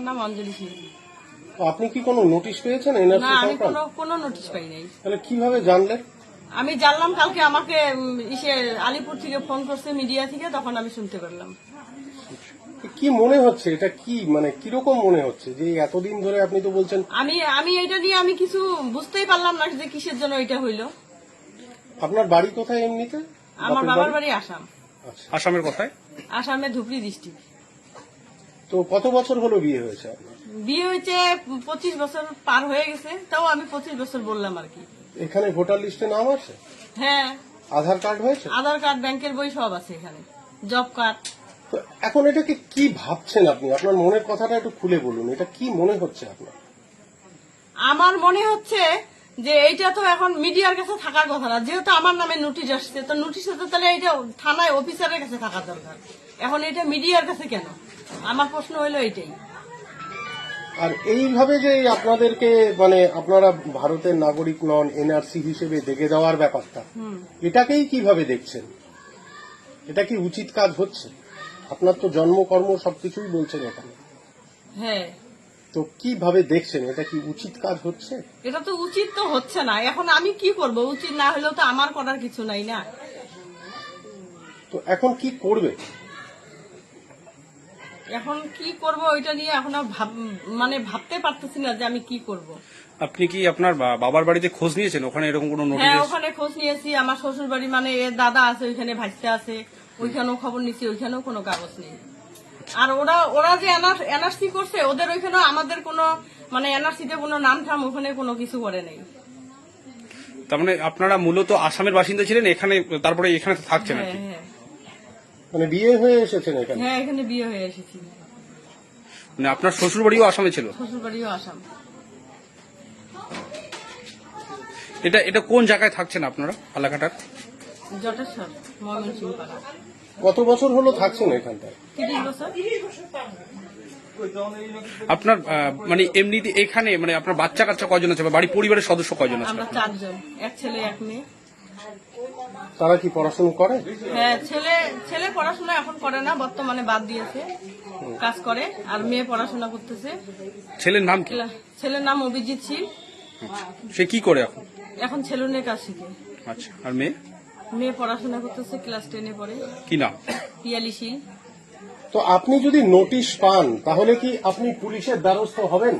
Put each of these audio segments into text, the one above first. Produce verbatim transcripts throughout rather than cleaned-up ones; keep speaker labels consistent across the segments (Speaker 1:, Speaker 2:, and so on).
Speaker 1: আমার নাম অঞ্জলি সিং।
Speaker 2: তো আপনি কি কোনো নোটিশ পেয়েছেন
Speaker 1: না,
Speaker 2: এনআরসি
Speaker 1: আমি
Speaker 2: সংক্রান্ত?
Speaker 1: কোনো কোনো নোটিশ পাই নাই।
Speaker 2: তাহলে কিভাবে জানলেন?
Speaker 1: আমি জানলাম কালকে আমাকে উম, ইসে আলিপুর থেকে ফোন করছে, মিডিয়া থেকে, তখন আমি শুনতে পারলাম।
Speaker 2: কি মনে হচ্ছে এটা, কি মানে কিরকম মনে হচ্ছে যে এতদিন ধরে আপনি তো বলছেন?
Speaker 1: আমি আমি এটা নিয়ে আমি কিছু বুঝতেই পারলাম না যে কিসের জন্য এটা হইলো।
Speaker 2: আপনার বাড়ি কোথায় এমনিতে?
Speaker 1: আমার
Speaker 2: বাপের
Speaker 1: বাবার
Speaker 2: বাড়ি?
Speaker 1: বাড়ি আসাম।
Speaker 2: আচ্ছা।
Speaker 3: আসামের কোথায়?
Speaker 1: আসামে ধুবড়ি ডিস্ট্রিক্ট।
Speaker 2: তো কত বছর হলো বিয়ে হয়েছে আপনার?
Speaker 1: বিয়ে হয়েছে পঁচিশ বছর পার হয়ে গেছে, তাও আমি পঁচিশ বছর বললাম আর কি।
Speaker 2: এখানে ভোটার লিস্টে নাম আছে?
Speaker 1: হ্যাঁ,
Speaker 2: আধার কার্ড হয়েছে?
Speaker 1: আধার কার্ড, ব্যাংকের বই সব আছে এখানে, জব কার্ড।
Speaker 2: তো এখন এটাকে কি ভাবছেন আপনি? আপনার মনের কথাটা একটু খুলে বলুন, এটা কি মনে হচ্ছে আপনার?
Speaker 1: আমার মনে হচ্ছে যে এইটা তো এখন মিডিয়ার কাছে থাকার কথা না, যেহেতু আমার নামে নোটিশ আসছে, তো নোটিশে তো তাহলে এইটা থানায় অফিসারের কাছে থাকা দরকার। এখন এটা মিডিয়ার কাছে কেন? আমার প্রশ্ন হইলো এইটাই।
Speaker 2: আর এইভাবে যে আপনাদেরকে মানে আপনারা ভারতের নাগরিক নন, এনআরসি হিসেবে দেখে দেওয়ার ব্যাপারটা, এটাকেই কিভাবে দেখছেন? এটা কি উচিত কাজ হচ্ছে? আপনার তো জন্মকর্ম সবকিছুই বলছেন এখানে,
Speaker 1: হ্যাঁ,
Speaker 2: তো কিভাবে দেখছেন? এটা কি উচিত কাজ হচ্ছে?
Speaker 1: এটা তো উচিত তো হচ্ছে না। এখন আমি কি করব? উচিত না হলেও তো আমার করার কিছু নাই না।
Speaker 2: তো এখন কি করবে?
Speaker 1: এখন কি করব ওইটা নিয়ে এখন আর ভাব মানে ভাবতে পারতেছি না যে আমি কি করব।
Speaker 3: আপনি কি আপনার বা- বাবার বাড়িতে খোঁজ নিয়েছেন ওখানে এরকম কোনো নোটিশ?
Speaker 1: হ্যাঁ, ওখানে খোঁজ নিয়েছি। আমার শ্বশুর বাড়ি মানে এর দাদা আছে ওইখানে, ভাইসা আছে ওইখানেও খবর নিছি, ওইখানেও কোনো কাগজ নেই। আর ওরা ওরা যে এনআরসি করছে, ওদের ওইখানেও আমাদের কোনো মানে এনআরসিতে কোনো নাম ঠাম ওখানে কোনো কিছু করে নেই।
Speaker 3: তার মানে আপনারা মূলত আসামের বাসিন্দা ছিলেন, এখানে তারপরে এখানে তো থাকছেন আর
Speaker 1: হ্যাঁ,
Speaker 3: কি।
Speaker 1: হ্যাঁ,
Speaker 2: মানে বিয়ে হয়ে এসেছেন এখানে?
Speaker 1: হ্যাঁ, এখানে বিয়ে হয়ে এসেছি।
Speaker 3: মানে আপনার শ্বশুর বাড়িও আসামে ছিল?
Speaker 1: শ্বশুর বাড়িও আসাম।
Speaker 3: এটা এটা কোন জায়গায় থাকছেন আপনারা এলাকাটার?
Speaker 1: জটেশ্বর, ময়মনসিংহ পাড়া।
Speaker 2: কত বছর হলো থাকছেন এখানটায়?
Speaker 1: তিরিশ বছর।
Speaker 3: আপনার আহ, মানে এমনিতে এখানে মানে আপনার বাচ্চা কাচ্চা কয়জন আছে বা বাড়ি পরিবারের সদস্য কয়জন আছে?
Speaker 1: আমরা চারজন, এক ছেলে এক মেয়ে।
Speaker 2: তারা কি পড়াশোনা করে?
Speaker 1: হ্যাঁ, ছেলে ছেলে পড়াশোনা এখন করে না, বর্তমানে বাদ দিয়েছে, কাজ করে। আর মেয়ে পড়াশোনা করতেছে।
Speaker 3: ছেলের নাম কি?
Speaker 1: ছেলের নাম অভিজিৎ শীল,
Speaker 3: সে কি করে এখন?
Speaker 1: এখন ছেলুনের কাজ শিখে।
Speaker 3: আচ্ছা, আর মেয়ে?
Speaker 1: মেয়ে পড়াশোনা করতেছে, ক্লাস টেনে পড়ে।
Speaker 3: কি নাম?
Speaker 1: পিয়ালি শীল।
Speaker 2: তো আপনি যদি নোটিশ পান তাহলে কি আপনি পুলিশের দ্বারস্থ হবেন?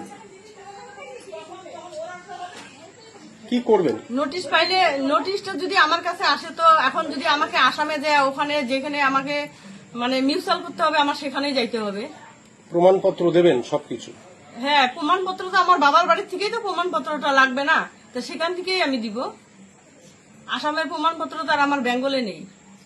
Speaker 2: কি করবেন?
Speaker 1: নোটিশ পাইলে, নোটিশটা যদি আমার কাছে আসে, তো এখন যদি আমাকে আসামে যায়, ওখানে যেখানে আমাকে মানে মিউচুয়াল করতে হবে, আমার সেখানেই যাইতে হবে।
Speaker 2: প্রমাণপত্র দেবেন সবকিছু?
Speaker 1: হ্যাঁ, প্রমাণপত্র তো আমার বাবার বাড়ির থেকেই তো প্রমাণপত্রটা লাগবে না, তো সেখান থেকেই আমি দিব। আসামের প্রমাণপত্র তো আর আমার বেঙ্গলে নেই।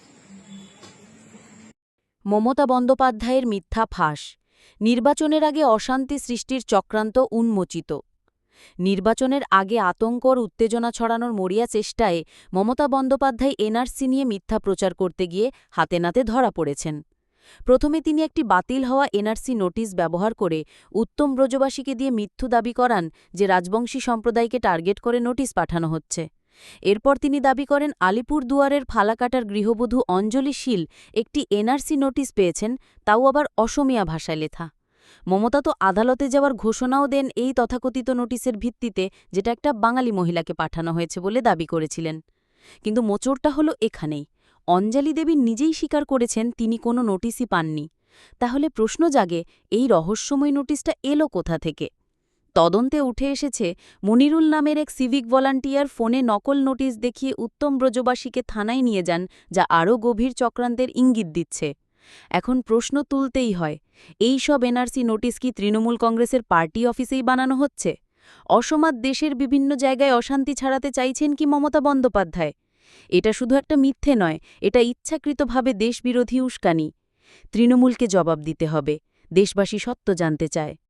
Speaker 4: মমতা বন্দ্যোপাধ্যায়ের মিথ্যা ফাঁস, নির্বাচনের আগে অশান্তি সৃষ্টির চক্রান্ত উন্মোচিত। নির্বাচনের আগে আতঙ্ক ও উত্তেজনা ছড়ানোর মরিয়া চেষ্টায় মমতা বন্দ্যোপাধ্যায় এনআরসি নিয়ে মিথ্যা প্রচার করতে গিয়ে হাতে নাতে ধরা পড়েছেন। প্রথমে তিনি একটি বাতিল হওয়া এনআরসি নোটিশ ব্যবহার করে উত্তম ব্রজবাসীকে দিয়ে মিথ্যু দাবি করান যে রাজবংশী সম্প্রদায়কে টার্গেট করে নোটিশ পাঠানো হচ্ছে। এরপর তিনি দাবি করেন আলিপুর দুয়ারের ফালাকাটার গৃহবধূ অঞ্জলি শীল একটি এনআরসি নোটিশ পেয়েছেন, তাও আবার অসমীয়া ভাষায় লেখা। মমতা তো আদালতে যাওয়ার ঘোষণাও দেন এই তথাকথিত নোটিশের ভিত্তিতে, যেটা একটা বাঙালি মহিলাকে পাঠানো হয়েছে বলে দাবি করেছিলেন। কিন্তু মোচড়টা হলো এখানেই। অঞ্জলি দেবী নিজেই স্বীকার করেছেন তিনি কোনো নোটিশই পাননি। তাহলে প্রশ্ন জাগে, এই রহস্যময় নোটিশটা এলো কোথা থেকে? তদন্তে উঠে এসেছে মনিরুল নামের এক সিভিক ভলান্টিয়ার ফোনে নকল নোটিশ দেখিয়ে উত্তম ব্রজবাসীকে থানায় নিয়ে যান, যা আরও গভীর চক্রান্তের ইঙ্গিত দিচ্ছে। এখন প্রশ্ন তুলতেই হয়, এই সব এনআরসি নোটিশ কি তৃণমূল কংগ্রেসের পার্টি অফিসেই বানানো হচ্ছে? অসমাদ দেশের বিভিন্ন জায়গায় অশান্তি ছড়াতে চাইছেন কি মমতা বন্দ্যোপাধ্যায়? এটা শুধু একটা মিথ্যে নয়, এটা ইচ্ছাকৃতভাবে দেশবিরোধী উস্কানি। তৃণমূলকে জবাব দিতে হবে, দেশবাসী সত্য জানতে চায়।